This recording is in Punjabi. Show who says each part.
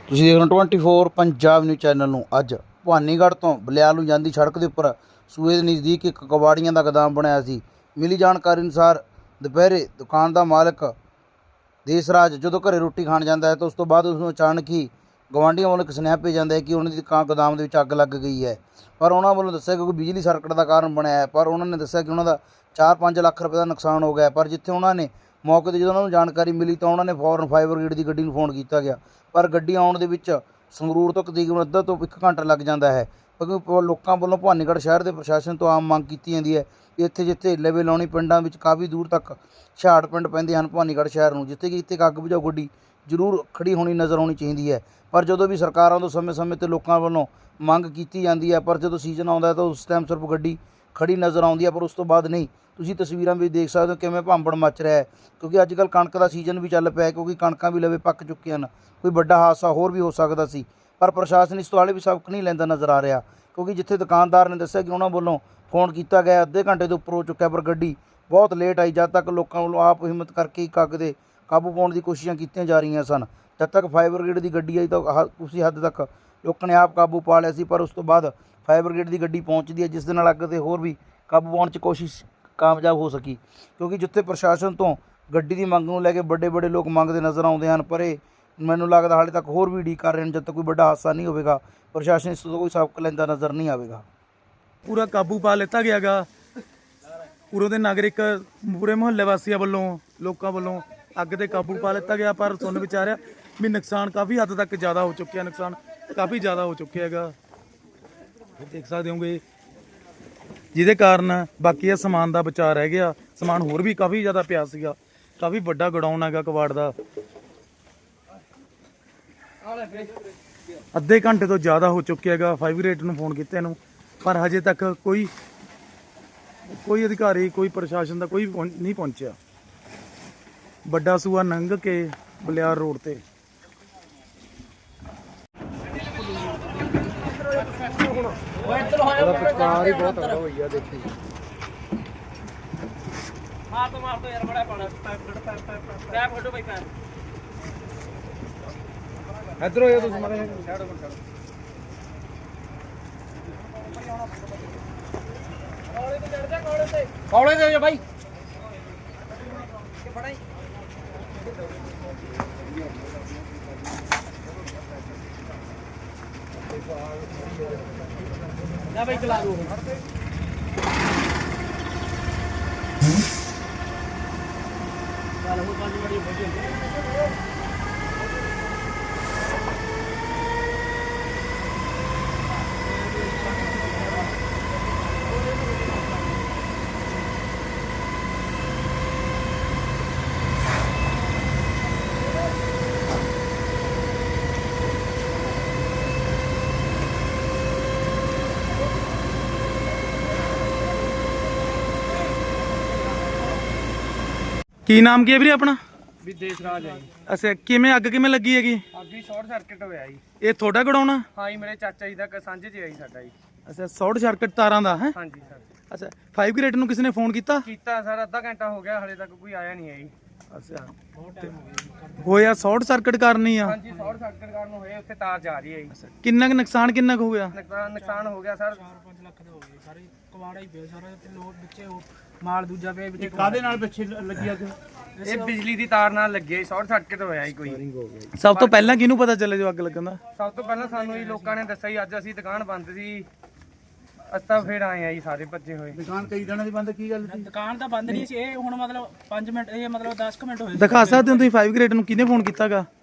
Speaker 1: ਤੁਸੀਂ ਦੇਖ ਰਹੇ ਹੋ 24 ਪੰਜਾਬ ਨਿਊਜ਼ ਚੈਨਲ ਨੂੰ। ਅੱਜ ਭਵਾਨੀਗੜ੍ਹ ਤੋਂ ਬਲਿਆਲ ਨੂੰ ਜਾਂਦੀ ਸੜਕ ਦੇ ਉੱਪਰ ਸੂਏ ਦੇ ਨਜ਼ਦੀਕ ਇੱਕ ਕਬਾੜੀਆਂ ਦਾ ਗੋਦਾਮ ਬਣਿਆ ਸੀ। ਮਿਲੀ ਜਾਣਕਾਰੀ ਅਨੁਸਾਰ ਦੁਪਹਿਰੇ ਦੁਕਾਨ ਦਾ ਮਾਲਕ ਦੇਸਰਾਜ ਜਦੋਂ ਘਰੇ ਰੋਟੀ ਖਾਣ ਜਾਂਦਾ ਹੈ ਤਾਂ ਉਸ ਤੋਂ ਬਾਅਦ ਉਸ ਨੂੰ ਅਚਾਨਕ ਹੀ ਗਵਾਂਢੀਆਂ ਵੱਲੋਂ ਇੱਕ ਸੁਨੇਹਾ ਭੇਜਿਆ ਜਾਂਦਾ ਹੈ ਕਿ ਉਹਨਾਂ ਦੀ ਦੁਕਾਨ ਗੋਦਾਮ ਦੇ ਵਿੱਚ ਅੱਗ ਲੱਗ ਗਈ ਹੈ। ਪਰ ਉਹਨਾਂ ਵੱਲੋਂ ਦੱਸਿਆ ਕਿ ਕੋਈ ਬਿਜਲੀ ਸਰਕਟ ਦਾ ਕਾਰਨ ਬਣਿਆ ਹੈ। ਪਰ ਉਹਨਾਂ ਨੇ ਦੱਸਿਆ ਕਿ ਉਹਨਾਂ ਦਾ 4-5 ਲੱਖ ਰੁਪਏ ਦਾ ਨੁਕਸਾਨ ਹੋ ਗਿਆ। ਪਰ ਜਿੱਥੇ ਉਹਨਾਂ ਨੇ ਮੌਕੇ 'ਤੇ ਜਦੋਂ ਉਹਨਾਂ ਨੂੰ ਜਾਣਕਾਰੀ ਮਿਲੀ ਤਾਂ ਉਹਨਾਂ ਨੇ ਫੌਰਨ ਫਾਇਰ ਬ੍ਰਿਗੇਡ ਦੀ ਗੱਡੀ ਨੂੰ ਫੋਨ ਕੀਤਾ ਗਿਆ। ਪਰ ਗੱਡੀ ਆਉਣ ਦੇ ਵਿੱਚ ਸੰਗਰੂਰ ਤੋਂ ਤਕਰੀਬਨ ਅੱਧਾ ਤੋਂ 1 ਘੰਟਾ ਲੱਗ ਜਾਂਦਾ ਹੈ, ਕਿਉਂਕਿ ਲੋਕਾਂ ਵੱਲੋਂ ਭਵਾਨੀਗੜ੍ਹ ਸ਼ਹਿਰ ਦੇ ਪ੍ਰਸ਼ਾਸਨ ਤੋਂ ਆਮ ਮੰਗ ਕੀਤੀ ਜਾਂਦੀ ਹੈ ਕਿ ਇੱਥੇ ਜਿੱਥੇ ਲਵੇ ਲਾਉਣੀ ਪਿੰਡਾਂ ਵਿੱਚ ਕਾਫੀ ਦੂਰ ਤੱਕ ਛਾੜ ਪਿੰਡ ਪੈਂਦੇ ਹਨ ਭਵਾਨੀਗੜ੍ਹ ਸ਼ਹਿਰ ਨੂੰ, ਜਿੱਥੇ ਕਿ ਇੱਥੇ ਅੱਗ ਬੁਝਾਊ ਗੱਡੀ ਜ਼ਰੂਰ ਖੜੀ ਹੋਣੀ ਨਜ਼ਰ ਆਉਣੀ ਚਾਹੀਦੀ ਹੈ। ਪਰ ਜਦੋਂ ਵੀ ਸਰਕਾਰਾਂ ਤੋਂ ਸਮੇਂ-ਸਮੇਂ 'ਤੇ ਲੋਕਾਂ ਵੱਲੋਂ ਮੰਗ ਕੀਤੀ ਜਾਂਦੀ ਹੈ, ਪਰ ਜਦੋਂ ਸੀਜ਼ਨ ਆਉਂਦਾ ਹੈ ਤਾਂ ਉਸ ਟਾਈਮ ਸਿਰਫ ਗੱਡੀ ਖੜੀ ਨਜ਼ਰ ਆਉਂਦੀ ਹੈ, ਪਰ ਉਸ ਤੋਂ ਬਾਅਦ ਨਹੀਂ। ਤੁਸੀਂ ਤਸਵੀਰਾਂ ਵਿੱਚ ਦੇਖ ਸਕਦੇ ਹੋ ਕਿਵੇਂ ਭਾਂਬੜ ਮੱਚ ਰਿਹਾ ਹੈ, ਕਿਉਂਕਿ ਅੱਜ ਕੱਲ੍ਹ ਕਣਕ ਦਾ ਸੀਜ਼ਨ ਵੀ ਚੱਲ ਪਿਆ, ਕਿਉਂਕਿ ਕਣਕਾਂ ਵੀ ਲਵੇ ਪੱਕ ਚੁੱਕੀਆਂ ਹਨ। ਕੋਈ ਵੱਡਾ ਹਾਦਸਾ ਹੋਰ ਵੀ ਹੋ ਸਕਦਾ ਸੀ, ਪਰ ਪ੍ਰਸ਼ਾਸਨ ਇਸ ਤੋਂ ਹਾਲੇ ਵੀ ਸਬਕ ਨਹੀਂ ਲੈਂਦਾ ਨਜ਼ਰ ਆ ਰਿਹਾ। ਕਿਉਂਕਿ ਜਿੱਥੇ ਦੁਕਾਨਦਾਰ ਨੇ ਦੱਸਿਆ ਕਿ ਉਹਨਾਂ ਵੱਲੋਂ ਫੋਨ ਕੀਤਾ ਗਿਆ, ਅੱਧੇ ਘੰਟੇ ਤੋਂ ਉੱਪਰ ਹੋ ਚੁੱਕਿਆ, ਪਰ ਗੱਡੀ ਬਹੁਤ ਲੇਟ ਆਈ। ਜਦ ਤੱਕ ਲੋਕਾਂ ਵੱਲੋਂ ਆਪ ਹਿੰਮਤ ਕਰਕੇ ਇੱਕ ਅੱਗ ਦੇ ਕਾਬੂ ਪਾਉਣ ਦੀ ਕੋਸ਼ਿਸ਼ਾਂ ਕੀਤੀਆਂ ਜਾ ਰਹੀਆਂ ਸਨ। ਜਦ ਤੱਕ ਫਾਇਰ ਬ੍ਰਿਗੇਡ ਦੀ ਗੱਡੀ ਆਈ ਤਾਂ ਉਸੇ ਹੱਦ ਤੱਕ ਲੋਕਾਂ ਨੇ ਆਪ ਕਾਬੂ ਪਾ ਲਿਆ ਸੀ, ਪਰ ਉਸ ਤੋਂ ਬਾਅਦ ਫਾਇਰ ਬ੍ਰਿਗੇਡ ਦੀ ਗੱਡੀ ਪਹੁੰਚਦੀ ਹੈ, ਜਿਸ ਦੇ ਨਾਲ ਅੱਗ 'ਤੇ ਹੋਰ ਵੀ ਕਾਬੂ ਪਾਉਣ 'ਚ ਕੋਸ਼ਿਸ਼ ਕਾਮਯਾਬ ਹੋ ਸਕੀ। ਕਿਉਂਕਿ ਜਿੱਥੇ ਪ੍ਰਸ਼ਾਸਨ ਤੋਂ ਗੱਡੀ ਦੀ ਮੰਗ ਨੂੰ ਲੈ ਕੇ ਵੱਡੇ ਲੋਕ ਮੰਗਦੇ ਨਜ਼ਰ ਆਉਂਦੇ ਹਨ, ਪਰ ਇਹ ਮੈਨੂੰ ਲੱਗਦਾ ਹਾਲੇ ਤੱਕ ਹੋਰ ਵੀ ਉਡੀਕ ਕਰ ਰਹੇ ਹਨ। ਜਦ ਤੱਕ ਕੋਈ ਵੱਡਾ ਹਾਦਸਾ ਨਹੀਂ ਹੋਵੇਗਾ, ਪ੍ਰਸ਼ਾਸਨ ਇਸ ਤੋਂ ਕੋਈ ਸਬਕ ਲੈਂਦਾ ਨਜ਼ਰ ਨਹੀਂ ਆਵੇਗਾ।
Speaker 2: ਪੂਰਾ ਕਾਬੂ ਪਾ ਲਿੱਤਾ ਗਿਆ ਗਾ। ਪੂਰੇ ਦੇ ਨਾਗਰਿਕ ਪੂਰੇ ਮੁਹੱਲੇ ਵਾਸੀਆਂ ਵੱਲੋਂ ਲੋਕਾਂ ਵੱਲੋਂ ਅੱਗ ਤੇ ਕਾਬੂ ਪਾ ਲਿੱਤਾ ਗਿਆ। ਪਰ ਸੁਣ ਵਿਚਾਰਿਆ ਵੀ ਨੁਕਸਾਨ ਕਾਫੀ ਹੱਦ ਤੱਕ ਜ਼ਿਆਦਾ ਹੋ ਚੁੱਕਿਆ, ਨੁਕਸਾਨ ਕਾਫੀ ਜ਼ਿਆਦਾ ਹੋ ਚੁੱਕਿਆ ਹੈਗਾ, ਦੇਖ ਸਕਦੇ ਹੋਗੇ, ਜਿਹਦੇ ਕਾਰਨ ਬਾਕੀ ਇਹ ਸਮਾਨ ਦਾ ਬਚਾਅ ਰਹਿ ਗਿਆ। ਸਮਾਨ ਹੋਰ ਵੀ ਕਾਫੀ ਜ਼ਿਆਦਾ ਪਿਆ ਸੀਗਾ, ਕਾਫੀ ਵੱਡਾ ਗੋਡਾਊਨ ਹੈਗਾ ਕਬਾੜ ਦਾ। ਅੱਧੇ ਘੰਟੇ ਤੋਂ ਜ਼ਿਆਦਾ ਹੋ ਚੁੱਕਿਆ ਹੈਗਾ। ਫਾਇਰ ਬ੍ਰਿਗੇਡ ਨੂੰ ਫੋਨ ਕੀਤੇ ਨੂੰ, ਪਰ ਹਜੇ ਤੱਕ ਕੋਈ ਅਧਿਕਾਰੀ, ਕੋਈ ਪ੍ਰਸ਼ਾਸਨ ਦਾ ਕੋਈ ਨਹੀਂ ਪਹੁੰਚਿਆ। ਵੱਡਾ ਸੂਆ ਲੰਘ ਕੇ ਬਲਿਆਰ ਰੋਡ ਤੇ
Speaker 1: ਪਿਚਕਾਰ ਹੀ ਬਹੁਤ ਤਗੜਾ ਹੋਈ ਆ, ਦੇਖੀ
Speaker 3: ਮਾਰ ਦੋ ਯਾਰ, ਬੜਾ ਪਾਣਾ ਪੈਪ ਫੋਟੋ ਭਾਈ ਪੈਪ
Speaker 1: ਇੱਧਰ ਹੋ ਜਾ ਤੁਸੀਂ ਮਾਰੇ
Speaker 3: ਕੌਲੇ ਦੇ ਜਾ ਭਾਈ ਨਾ ਭਾਈ ਚਲਾ ਦੋ।
Speaker 2: ਕੀ ਨਾਮ ਕੀ ਹੈ ਵੀਰੇ ਆਪਣਾ?
Speaker 3: ਵੀ ਦੇਸਰਾਜ ਹੈ ਜੀ।
Speaker 2: ਅੱਛਾ, ਕਿਵੇਂ ਅੱਗ ਕਿਵੇਂ ਲੱਗੀ ਹੈਗੀ?
Speaker 3: ਅੱਗ ਹੀ ਸ਼ਾਰਟ ਸਰਕਟ ਹੋਇਆ ਜੀ।
Speaker 2: ਇਹ ਤੁਹਾਡਾ ਗੋਡਾਊਨ ਆ?
Speaker 3: ਹਾਂ ਜੀ, ਮੇਰੇ ਚਾਚਾ ਜੀ ਦਾ ਸਾਂਝੇ 'ਚ ਆਈ ਸਾਡਾ ਜੀ।
Speaker 2: ਅੱਛਾ, ਸ਼ਾਰਟ ਸਰਕਟ ਤਾਰਾਂ ਦਾ ਹੈ?
Speaker 3: ਹਾਂਜੀ ਸਰ।
Speaker 2: ਅੱਛਾ, ਫਾਇਰ ਬ੍ਰਿਗੇਡ ਨੂੰ ਕਿਸੇ ਨੇ ਫੋਨ ਕੀਤਾ?
Speaker 3: ਕੀਤਾ ਸਰ, ਅੱਧਾ ਘੰਟਾ ਹੋ ਗਿਆ, ਹਲੇ ਤੱਕ ਕੋਈ ਆਇਆ ਨਹੀਂ ਹੈ ਜੀ।
Speaker 2: ਅੱਛਾ, ਹੋਇਆ ਸ਼ਾਰਟ ਸਰਕਟ ਕਾਰਨ ਹੀ ਆ?
Speaker 3: ਹਾਂਜੀ, ਸ਼ਾਰਟ ਸਰਕਟ ਕਾਰਨ ਹੋਏ, ਉੱਥੇ ਤਾਰ ਜਾ ਰਹੀ ਹੈ ਜੀ।
Speaker 2: ਕਿੰਨਾ ਕੁ ਨੁਕਸਾਨ ਕਿੰਨਾ ਕੁ ਹੋ ਗਿਆ?
Speaker 3: ਨੁਕਸਾਨ ਹੋ ਗਿਆ ਸਰ 4-5 ਲੱਖ ਦਾ ਹੋ ਗਿਆ। ਸਾਰੇ ਕਵਾੜਾ ਹੀ ਪਿਆ ਸਾਰਾ, ਲੋਕ ਵਿੱਚੇ ਮਾਲ ਦੂਜਾ ਪਿਆ ਵਿੱਚ।
Speaker 1: ਕਾਦੇ ਨਾਲ ਪਿੱਛੇ ਲੱਗੀ ਅੱਗ?
Speaker 3: ਇਹ ਬਿਜਲੀ ਦੀ ਤਾਰ ਨਾਲ ਲੱਗੀ, ਸ਼ਾਰਟ ਸਰਕਟ ਹੋਇਆ ਜੀ ਕੋਈ।
Speaker 2: ਸਭ ਤੋਂ ਪਹਿਲਾਂ ਕਿਹਨੂੰ ਪਤਾ ਚੱਲਿਆ ਜੋ ਅੱਗ ਲੱਗਣ ਦਾ?
Speaker 3: ਸਭ ਤੋਂ ਪਹਿਲਾਂ ਸਾਨੂੰ ਹੀ ਲੋਕਾਂ ਨੇ ਦੱਸਿਆ ਜੀ। ਅੱਜ ਅਸੀਂ ਦੁਕਾਨ ਬੰਦ ਸੀ, ਅਸੀਂ ਫਿਰ ਆਏ ਆ ਜੀ, ਸਾਰੇ ਭੱਜੇ ਹੋਏ।
Speaker 1: ਦੁਕਾਨ ਕਈ ਦਿਨਾਂ ਦੀ ਬੰਦ, ਕੀ ਗੱਲ ਸੀ?
Speaker 4: ਦੁਕਾਨ ਤਾਂ ਬੰਦ ਨਹੀਂ ਸੀ, ਇਹ ਹੁਣ ਮਤਲਬ 5 ਮਿੰਟ, ਇਹ ਮਤਲਬ 10 ਮਿੰਟ ਹੋਏ।
Speaker 2: ਦਿਖਾ ਸਕਦੇ ਹੋ ਤੁਸੀਂ ਫਾਇਰ ਬ੍ਰਿਗੇਡ ਨੂੰ ਕਿਹਨੇ ਫੋਨ ਕੀਤਾਗਾ?